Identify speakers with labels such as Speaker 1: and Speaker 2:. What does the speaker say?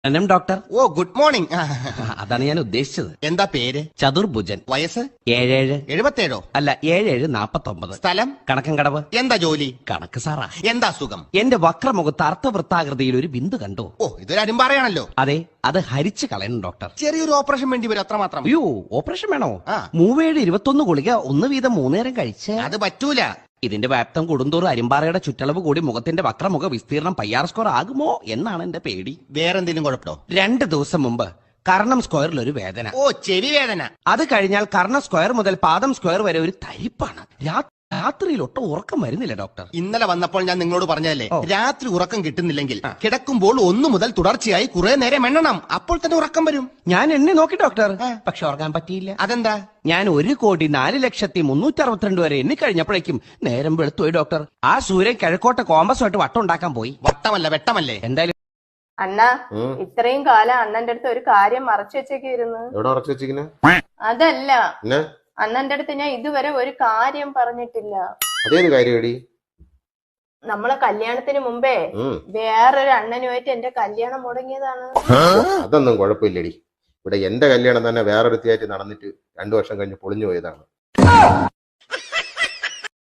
Speaker 1: Doctor.
Speaker 2: ഓ good morning.
Speaker 1: അതാണ് ഞാൻ ഉദ്ദേശിച്ചത്.
Speaker 2: എന്താ പേര്?
Speaker 1: ചതുർഭുജൻ.
Speaker 2: വയസ്സ്?
Speaker 1: 77.
Speaker 2: 77?
Speaker 1: അല്ല 7749.
Speaker 2: സ്ഥലം?
Speaker 1: കണക്കൻകടവ്.
Speaker 2: എന്താ ജോലി?
Speaker 1: കണക്ക് സാറാ.
Speaker 2: എന്താ അസുഖം?
Speaker 1: എന്റെ വക്രമുഖത്ത് അർത്ഥവൃത്താകൃതിയിൽ ഒരു ബിന്ദു കണ്ടു.
Speaker 2: ഓ ഇതൊരു അരുമ്പാറയാണല്ലോ.
Speaker 1: അതെ, അത് ഹരിച്ചു കളയണം ഡോക്ടർ.
Speaker 2: ചെറിയൊരു ഓപ്പറേഷൻ വേണ്ടി വരും, അത്രമാത്രം.
Speaker 1: അയ്യോ, ഓപ്പറേഷൻ വേണോ?
Speaker 2: ആ.
Speaker 1: 3721 ഗുളിക 1 വീതം 3 നേരം കഴിച്ച്.
Speaker 2: അത് പറ്റൂല.
Speaker 1: ഇതിന്റെ വ്യാപ്തം കൂടുന്തോറും അരിമ്പാറയുടെ ചുറ്റളവ് കൂടി മുഖത്തിന്റെ വക്രമുഖ വിസ്തീർണം പയ്യാർ സ്ക്വയർ ആകുമോ എന്നാണ് എന്റെ പേടി.
Speaker 2: വേറെന്തെങ്കിലും കുഴപ്പമോ?
Speaker 1: 2 ദിവസം മുമ്പ് കർണം സ്ക്വയറിൽ ഒരു വേദന.
Speaker 2: ഓ ചെവി വേദന.
Speaker 1: അത് കഴിഞ്ഞാൽ കർണ സ്ക്വയർ മുതൽ പാദം സ്ക്വയർ വരെ ഒരു തരിപ്പാണ്. രാത്രിയിൽ ഒട്ടും ഉറക്കം വരുന്നില്ല ഡോക്ടർ.
Speaker 2: ഇന്നലെ വന്നപ്പോൾ ഞാൻ നിങ്ങളോട് പറഞ്ഞതല്ലേ,
Speaker 1: ഓ.
Speaker 2: രാത്രി ഉറക്കം കിട്ടുന്നില്ലെങ്കിൽ കിടക്കുമ്പോൾ 1 മുതൽ തുടർച്ചയായി കുറെ നേരം എണ്ണണം, അപ്പോൾ തന്നെ ഉറക്കം വരും.
Speaker 1: ഞാൻ എന്നെ നോക്കി ഡോക്ടർ, പക്ഷെ ഉറങ്ങാൻ പറ്റിയില്ല.
Speaker 2: അതെന്താ?
Speaker 1: ഞാൻ 1,04,362 വരെ എണ്ണി കഴിഞ്ഞപ്പോഴേക്കും നേരം വെളുത്തുപോയി ഡോക്ടർ. ആ സൂര്യൻ കിഴക്കോട്ടെ കോമ്പസുമായിട്ട് വട്ടം ഉണ്ടാക്കാൻ പോയി.
Speaker 2: വട്ടമല്ല വെട്ടമല്ലേ.
Speaker 1: എന്തായാലും
Speaker 3: അണ്ണ ഇത്രയും കാലം അണ്ണന്റെ അടുത്ത് ഒരു കാര്യം മറച്ചു വെച്ചേക്കായിരുന്നു.
Speaker 4: എവിടെ ഉറച്ചു വെച്ചിരിക്കുന്നെ?
Speaker 3: അതല്ല,
Speaker 4: പിന്നെ
Speaker 3: അണ്ണന്റെ അടുത്ത് ഞാൻ ഇതുവരെ ഒരു കാര്യം പറഞ്ഞിട്ടില്ല.
Speaker 4: അതേത് കാര്യടി?
Speaker 3: നമ്മളെ കല്യാണത്തിന് മുമ്പേ വേറൊരു അണ്ണനുമായിട്ട് എന്റെ കല്യാണം മുടങ്ങിയതാണ്.
Speaker 4: അതൊന്നും കുഴപ്പമില്ലടി. ഇവിടെ എന്റെ കല്യാണം തന്നെ വേറൊരുത്തിയായിട്ട് നടന്നിട്ട് 2 വർഷം കഴിഞ്ഞ് പൊളിഞ്ഞു പോയതാണ്.